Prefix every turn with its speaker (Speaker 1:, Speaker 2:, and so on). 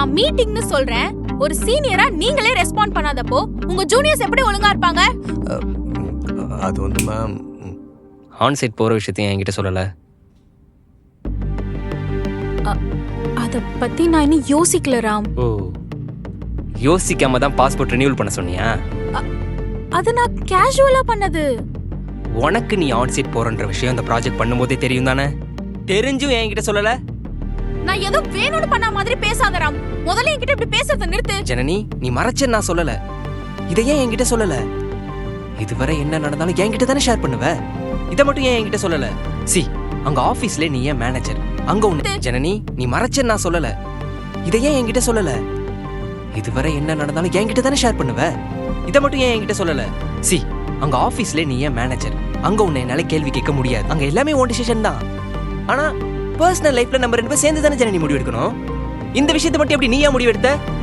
Speaker 1: நான் மீட்டிங்னு சொல்றேன். ஒரு சீனியரா நீங்களே ரெஸ்பாண்ட் பண்ணாதப்போ உங்க ஜூனியர்ஸ் எப்படி ஒழுங்கா இருப்பாங்க?
Speaker 2: அது வந்து மேம்,
Speaker 3: ஆன் சைட் போகிற விஷயத்தையும் என்கிட்ட சொல்லலை.
Speaker 1: அத பத்தி நான் இன்னும் யோசிக்கல ராம்.
Speaker 3: ஓ, யோசிக்காம தான் பாஸ்போர்ட் ரினியூவல் பண்ண சொன்னியா?
Speaker 1: அது நான் கேஷுவலா பண்ணது.
Speaker 3: உனக்கு நீ ஆன் சைட் போறன்ற விஷயம் அந்த ப்ராஜெக்ட் பண்ணும்போதே தெரியும் தானே? தெரிஞ்சும் என்கிட்ட சொல்லலை.
Speaker 1: நான் ஏதோ வேணும்னு பண்ண மாதிரி பேசாத ராம். முதல்ல என்கிட்ட இப்படி பேசுறத நிறுத்து.
Speaker 3: ஜனனி, நீ மறைச்சேன்னு நான் சொல்லலை. இதை ஏன் என்கிட்ட சொல்லலை? இதுவரை என்ன நடந்தாலும் என்கிட்ட தானே ஷேர் பண்ணுவ. இதை மட்டும் ஏன் என்கிட்ட சொல்லலை? சி, அங்க ஆபீஸ்ல நீ ஏன் மேனேஜர், அங்க உன்னை. ஜனனி, நீ மறைச்சேன்னு நான் சொல்லலை. இதை ஏன் என்கிட்ட சொல்லலை? இதுவரை என்ன நடந்தாலும் என்கிட்ட தானே ஷேர் பண்ணுவ. இதை மட்டும் ஏன் என்கிட்ட சொல்லலை? சி, அங்க ஆபீஸ்ல நீ ஏன் மேனேஜர், அங்க உன்னை என்னால கேள்வி கேட்க முடியாது. அங்க எல்லாமே ஓன் டிசிஷன் தான். ஆனா பர்சனல் லைஃப்ல நம்ம ரெண்டு பேரும் சேர்ந்து தானே ஜனனி முடிவு எடுக்கணும். இந்த விஷயத்தை மட்டும் எப்படி நீயா முடிவு எடுத்த?